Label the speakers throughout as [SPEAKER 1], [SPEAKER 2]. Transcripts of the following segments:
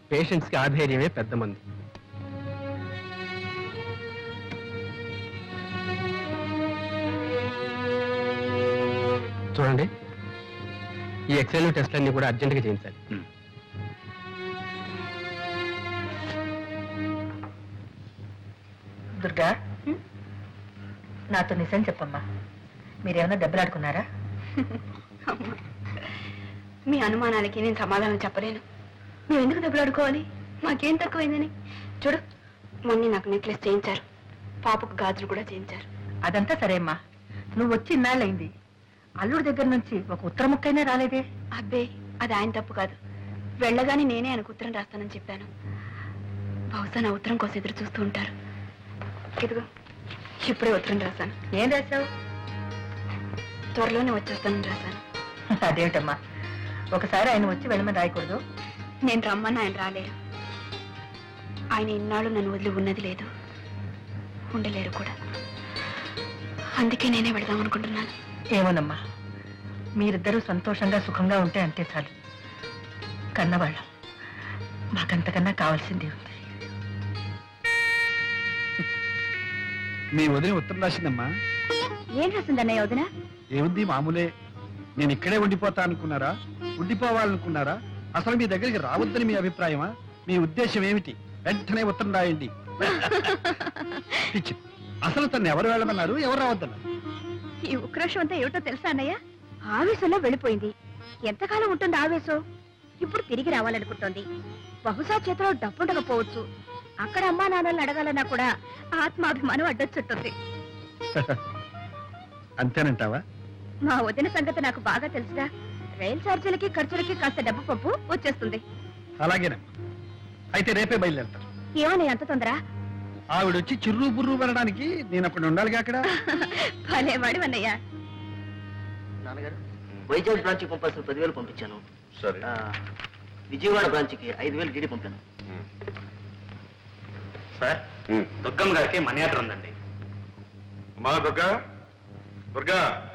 [SPEAKER 1] పేషెంట్స్కి ఆధైర్యమే పెద్ద మంది. చూడండి, ఈ ఎక్స్రేలు టెస్ట్లన్నీ కూడా అర్జెంటుగా చేయించాలి.
[SPEAKER 2] దుర్గా, నాతో నిజం చెప్పమ్మా, మీరేమైనా దెబ్బలాడుకున్నారా?
[SPEAKER 3] మీ అనుమానాలకి నేను సమాధానం చెప్పలేను. మేము ఎందుకు దెబ్బలాడుకోవాలి? మాకేం తక్కువైందని. చూడు, మొన్న నాకు నెక్లెస్ చేయించారు, పాపకు గాజులు కూడా చేయించారు.
[SPEAKER 2] అదంతా సరే అమ్మా, నువ్వు వచ్చి ఇన్నాళ్ళైంది, అల్లుడి దగ్గర నుంచి ఒక ఉత్తర ముక్కైనా రాలేదే?
[SPEAKER 3] అబ్బే, అది ఆయన తప్పు కాదు. వెళ్ళగానే నేనే ఆయనకు ఉత్తరం రాస్తానని చెప్పాను. బహుశా నా ఉత్తరం కోసం ఎదురు చూస్తూ ఉంటారు. ఇదిగో, ఇప్పుడే ఉత్తరం రాశాను.
[SPEAKER 2] ఏం రాశావు?
[SPEAKER 3] త్వరలోనే వచ్చేస్తానని రాశాను.
[SPEAKER 2] అదేమిటమ్మా, ఒకసారి ఆయన వచ్చి వెళ్ళమని రాయకూడదు?
[SPEAKER 3] నేను రమ్మని ఆయన రాలేరు. ఆయన ఇన్నాళ్ళు నన్ను వదిలి ఉన్నది లేదు, ఉండలేరు కూడా. అందుకే నేనే వెళదాం అనుకుంటున్నాను.
[SPEAKER 2] ఏమోనమ్మా, మీరిద్దరూ సంతోషంగా సుఖంగా ఉంటే అంతే చాలు. కన్నవాళ్ళం, మాకంతకన్నా కావాల్సిందే ఉంది.
[SPEAKER 4] మీ వదిన ఉత్తరం రాసిందమ్మా.
[SPEAKER 3] ఏం రాసిందన్నయ్య వదిన?
[SPEAKER 4] ఏముంది, మామూలే. నేను ఇక్కడే ఉండిపోతా అనుకున్నారా, ఉండిపోవాలనుకున్నారా, అసలు మీ దగ్గరికి రావద్దని మీ అభిప్రాయమా? మీ ఉద్దేశం ఏమిటి? వెంటనే ఉత్తరం రాయండి. పిచ్చి, అసలు తను ఎవరు వెళ్ళమన్నారు, ఎవరు రావద్దన్నారు?
[SPEAKER 3] ఈ ఉక్రోషం అంతా ఏమిటో తెలుసా అన్నయ్య? ఆవేశంలో వెళ్ళిపోయింది. ఎంతకాలం ఉంటుంది ఆవేశం? ఇప్పుడు తిరిగి రావాలనుకుంటోంది. బహుశా చేతిలో డబ్బుండకపోవచ్చు. అక్కడ అమ్మా నాన్నల్ని అడగాలన్నా కూడా ఆత్మాభిమానం అడ్డొచ్చుంటుంది.
[SPEAKER 4] అంతేనంటావా?
[SPEAKER 3] మా వదిన సంగతి నాకు బాగా తెలుసుగా. రైలు ఛార్జీలకి ఖర్చులకి కాస్త డబ్బు పప్పు వచ్చేస్తుంది.
[SPEAKER 4] అలాగేనమ్మా, అయితే రేపే బయలుదేరతాను.
[SPEAKER 3] ఏమని అంత తొందర?
[SPEAKER 4] ఆవిడొచ్చి చిర్రు బుర్రు పడడానికి నేను అక్కడ ఉండాలిగా. అక్కడ
[SPEAKER 3] భలేవాడు అన్నయ్య.
[SPEAKER 5] నాన్నగారు, వైజాగ్ బ్రాంచ్కి పంపాల్సిన 10,000 పంపించాను.
[SPEAKER 6] సరే.
[SPEAKER 5] విజయవాడ బ్రాంచ్కి 5,000 డీడీ పంపాను.
[SPEAKER 1] సార్, దుర్గమ్మ గారికి మనీ ఆర్డర్ ఉందండి.
[SPEAKER 6] అమ్మా దుర్గా, దుర్గా,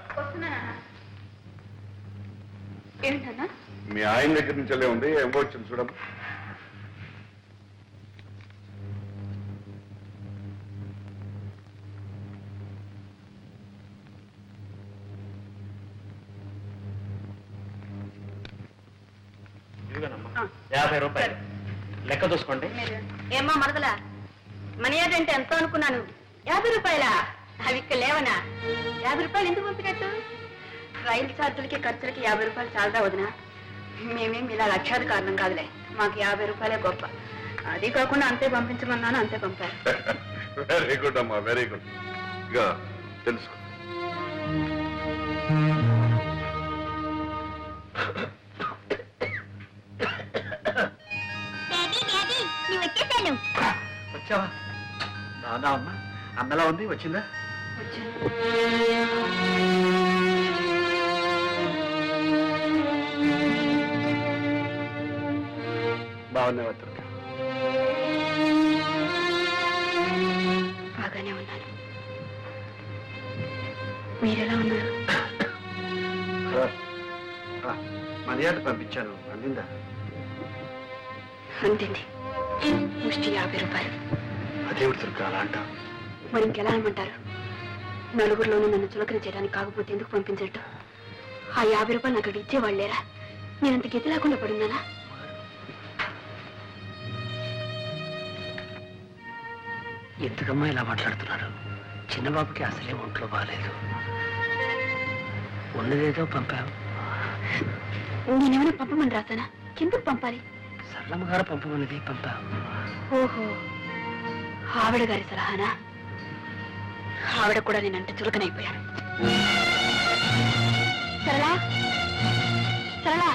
[SPEAKER 3] ఏంటన్నా?
[SPEAKER 6] మీ ఆయన దగ్గర నుంచి వెళ్ళే ఉంది, ఏమో వచ్చింది చూడమ్మా.
[SPEAKER 1] ఇదిగోనమ్మా, 50 రూపాయలు లెక్క చూసుకోండి.
[SPEAKER 3] ఏమ్మా మరదలా, మనీ ఆర్డర్ అంటే ఎంతో అనుకున్నాను. 50 రూపాయలా? అవి ఇక్కడ లేవనా? 50 రూపాయలు ఎందుకు పంపినట్టు? రైలు ఛార్జీలకి ఖర్చులకి 50 రూపాయలు చాలదా వదినా? మేమేం ఇలా లక్ష్యాది కారణం కాదులే, మాకు 50 రూపాయలే గొప్ప. అది కాకుండా అంతే పంపించమన్నాను, అంతే పంపారు.
[SPEAKER 6] వెరీ గుడ్ అమ్మా, వెరీ గుడ్. ఇక తెలుసుకో.
[SPEAKER 4] వచ్చావా? దాదా అమ్మా, అన్నలా ఉంది, వచ్చిందా? బాగున్నావా దుర్గా?
[SPEAKER 3] బాగానే ఉన్నాను. మీరెలా ఉన్నారు?
[SPEAKER 4] మర్యాద పంపించాను, అందిందా?
[SPEAKER 3] అంతింది. ముష్టి 50 రూపాయలు.
[SPEAKER 4] అదేవిడు దుర్గా అలా అంటావు?
[SPEAKER 3] మరి ఇంకెలా అనమంటారు? నలుగురిలోనూ నన్ను చులకన చేయడానికి కాకపోతే ఎందుకు పంపించట్టు? ఆ 50 రూపాయలు నాకు ఇచ్చేవాళ్ళు లేరా? నేనంత గతి లేకుండా పడున్నానా?
[SPEAKER 5] ఎందుకమ్మా ఇలా మాట్లాడుతున్నారు? చిన్నబాబుకి అసలే ఒంట్లో బాగాలేదు. ఉన్నదేదో పంపావు.
[SPEAKER 3] నేనేమైనా పంపమని రాసానా? ఎందుకు పంపాలి?
[SPEAKER 5] సరళమ్మ గారు పంపమన్నది పంపావు.
[SPEAKER 3] ఓహో, ఆవిడ గారి సలహానా? ఆవిడ కూడా నేనంటే చులకనైపోయాను. సరళా, సరళా,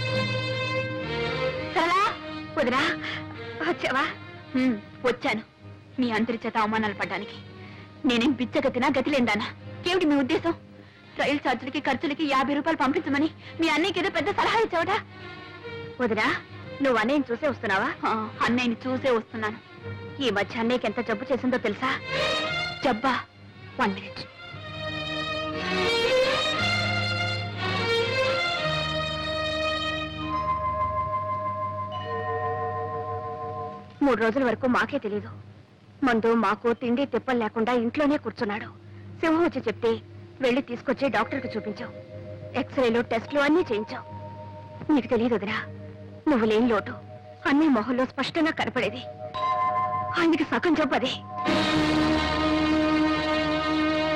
[SPEAKER 3] సరళా, వదినా వచ్చావా? వచ్చాను. మీ అందరి చేత అవమానాలు పడ్డానికి. నేనేం బిచ్చగతినా, గతిలేందానా? ఏమిటి మీ ఉద్దేశం? రైలు ఛార్జీలకి ఖర్చులకి 50 రూపాయలు పంపించమని మీ అన్నయ్యకి ఏదో పెద్ద సలహా ఇచ్చావట. వదినా, నువ్వు అన్నయ్యని చూసే వస్తున్నావా? అన్నయ్యని చూసే వస్తున్నాను. ఈ మధ్య అన్నయ్యకి ఎంత జబ్బు చేసిందో తెలుసా? జబ్బా? 1 minute. 3 రోజుల వరకు మాకే తెలీదు. మందు మాకు తిండి తిప్పలు లేకుండా ఇంట్లోనే కూర్చున్నాడు. సింహం వచ్చి చెప్తే వెళ్ళి తీసుకొచ్చి డాక్టర్కి చూపించావు. ఎక్స్రేలు టెస్టులు అన్నీ చేయించావు. నీకు తెలియదు వదినా, నువ్వు లేని లోటు అన్ని మొహంలో స్పష్టంగా కనపడేది. ఆయనకి సగం జబ్బదే.